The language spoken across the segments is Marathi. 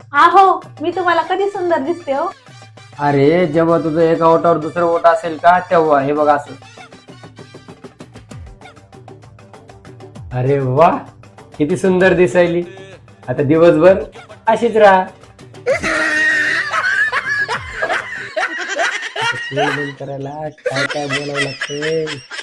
आहो, मी तुम्हाला कधी सुंदर दिसते हो? अरे जेव्हा तुझं एका ओटावर दुसरं ओट असेल का तेव्हा. हे बघ असं. अरे वा, किती सुंदर दिसायली. आता दिवसभर अशीच राहा. करायला काय काय बोलावं लागतंय.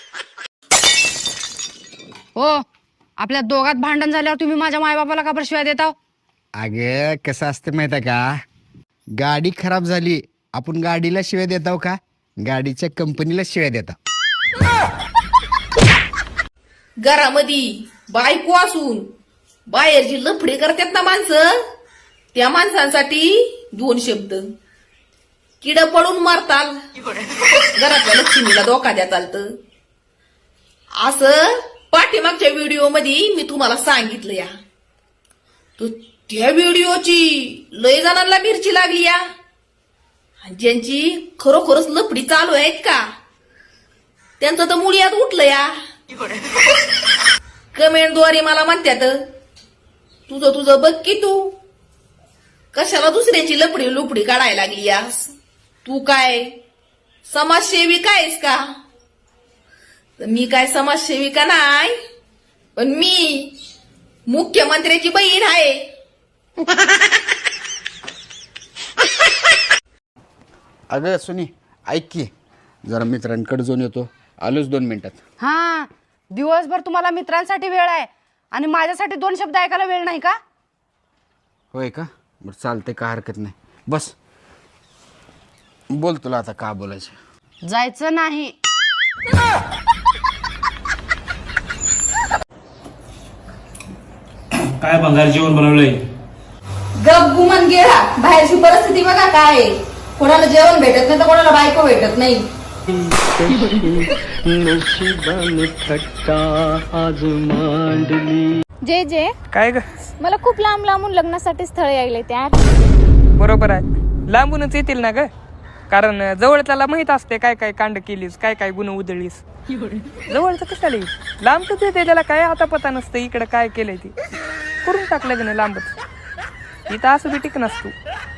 हो, आपल्या दोघात भांडण झाल्यावर तुम्ही माझ्या मायबापाला का बरं शिवाय देता? अगे कसं असतं माहिती आहे का, गाडी खराब झाली आपण गाडीला शिव्या देताव का, गाडीच्या कंपनीला शिव्या देताव. घरामध्ये बायको असून बाहेरची लफडी करतात ना माणसं, त्या माणसांसाठी 2 शब्द. किड पडून मारताल, घरातल्या लक्ष्मीला धोका द्या चालतं. असं पाठीमागच्या व्हिडिओ मध्ये मी तुम्हाला सांगितलं या. तो त्या व्हिडिओची लय जणांना मिरची लागली या. ज्यांची खरोखरच लफडी चालू आहेत का, त्यांचं तर मुळ्यात उठलं या. कमेंटद्वारे मला म्हणतात, तुझं बघ की तू कशाला दुसऱ्याची लपडी लुपडी काढायला लागली यास. तू काय समाजसेविका आहेस का? तर मी काय समाजसेविका नाही, पण मी मुख्यमंत्र्याची बहीण आहे. अगं सुनी ऐक की, जरा मित्रांकडे जाऊन येतो, आलोच 2 मिनिटात. हा, दिवसभर तुम्हाला मित्रांसाठी वेळ आहे आणि माझ्यासाठी 2 शब्द ऐकायला वेळ नाही का? होय का, बरं चालते, का हरकत नाही. बस बोल, तुला आता का बोलायचं. जायचं नाही. काय भंगार जेवण बनवलंय? गप गुमान गेला. बाहेरची परिस्थिती बघा काय आहे. कोणाला जेवण भेटत नाही तर कोणाला बायको भेटत नाही. जे जे काय ग? मला खूप लांब लांबून लग्नासाठी स्थळ यायले त्या. बरोबर आहे, लांबूनच येतील ना ग, कारण जवळच्याला माहित असते काय काय कांड केलीस, काय काय गुन्हा उधळलीस. जवळचं कशाला येईल, लांबच येते, त्याला काय आता पता नसतं इकडे काय केलंय ते करून टाकलं ग लांबच. इथं असं बी टिक नसतो.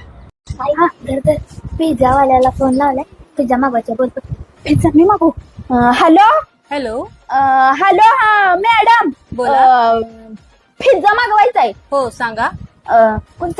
पिझ्झा वाल्याला फोन लावलाय, पिझ्झा मागवायचा. बोलतो पिझ्झा मी मागू. Hello hello. हॅलो, हा मॅडम, पिझ्झा मागवायचा आहे. हो सांगा. कोणता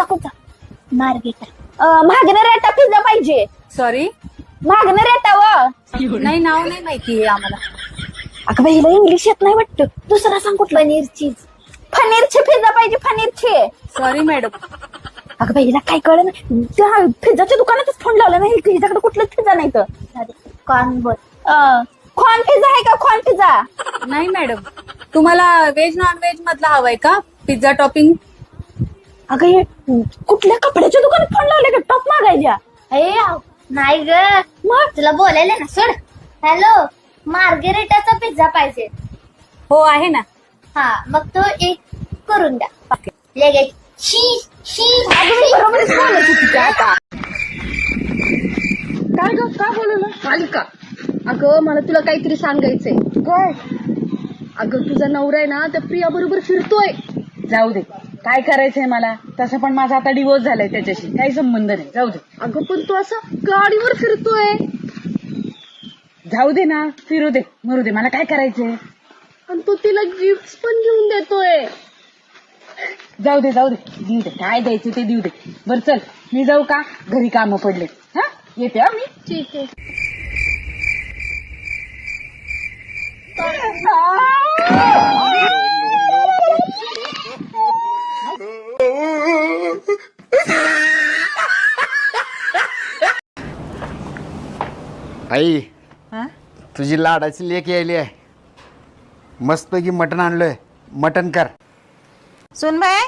मागणं रेटा पिझ्झा पाहिजे. सॉरी, मागणं रेटा व नाही, नाव नाही माहिती आम्हाला. अगं बाई, हिला इंग्लिश येत नाही वाटतं, दुसरा सांग कुठला. पनीरची पिझ्झा पाहिजे, पनीरची. Sorry madam. अगं बाई, हिला काय कळलं नाही, त्या पिझ्झाच्या दुकानातच फोन लावला नाही, हिच्याकडे कुठलंच पिझ्झा नाही. तर कॉर्न पिझ्झा आहे का, कॉर्न पिझ्झा? नाही मॅडम, तुम्हाला व्हेज नॉन व्हेज मधला हवाय का पिझ्झा टॉपिंग? अगं हे कुठल्या कपड्याच्या दुकानात फोन लावले का, टॉप मागायच्या? नाही ग, मग तुला बोलायला ना, सोड. हॅलो, मार्गेरिटाचा पिझ्झा पाहिजे. हो आहे ना. हा, मग तो एक करून द्या लगेच. बरोबरच बोलायची तिच्या आता. काय ग, काय बोलवलं? मालिका, अगं मला तुला काहीतरी सांगायचंय. काय? अगं तुझा नवरा आहे ना त्या प्रिया बरोबर फिरतोय. जाऊ दे, काय करायचंय मला, तसं पण माझा आता डिवोर्स झालाय, त्याच्याशी काही संबंध नाही. जाऊ दे. अगं पण तू असा गाडीवर फिरतोय. जाऊ दे ना, फिरू दे, मरू दे, मला काय करायचंय. आणि तू तिला गिफ्ट पण घेऊन देतोय. जाऊ दे, देऊ दे, काय द्यायचं ते देऊ दे. बरं चल, मी जाऊ का, घरी कामं पडले. हा, येते हा मी. ठीक आहे. आई, तुझी लाडाची लेक यायली आहे, मस्तपैकी मटण आणलोय, मटण कर. सुन बाय,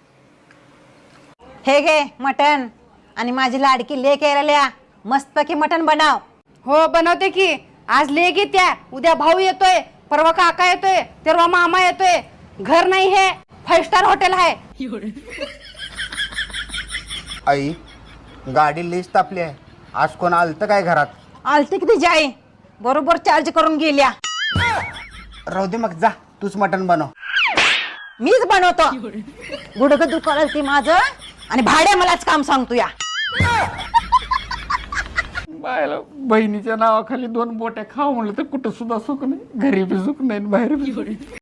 हे घे मटण, आणि माझी लाडकी लेक यायला, मस्तपैकी मटण बनव. हो बनवते की. आज लेक येत्या, उद्या भाऊ येतोय, परवा काका येतोय, तेव्हा मामा येतोय. घर नाही, हे 5 स्टार हॉटेल आहे. आई, गाडी लिस्ट तापली आहे, आज कोण आलतं काय घरात? आलती किती जाई, बरोबर चार्ज करून गेल्या. राहू दे मग, जा तूच मटण बनव. मीच बनवतो. गुडघं दुखायला ती माझं, आणि भाड्या मलाच काम सांगतो या. बायला बहिणीच्या नावाखाली 2 बोट्या खाऊ म्हणलं तर कुठं सुद्धा सुख नाही, घरी बी सुख नाही बाहेर बी सुख नाही.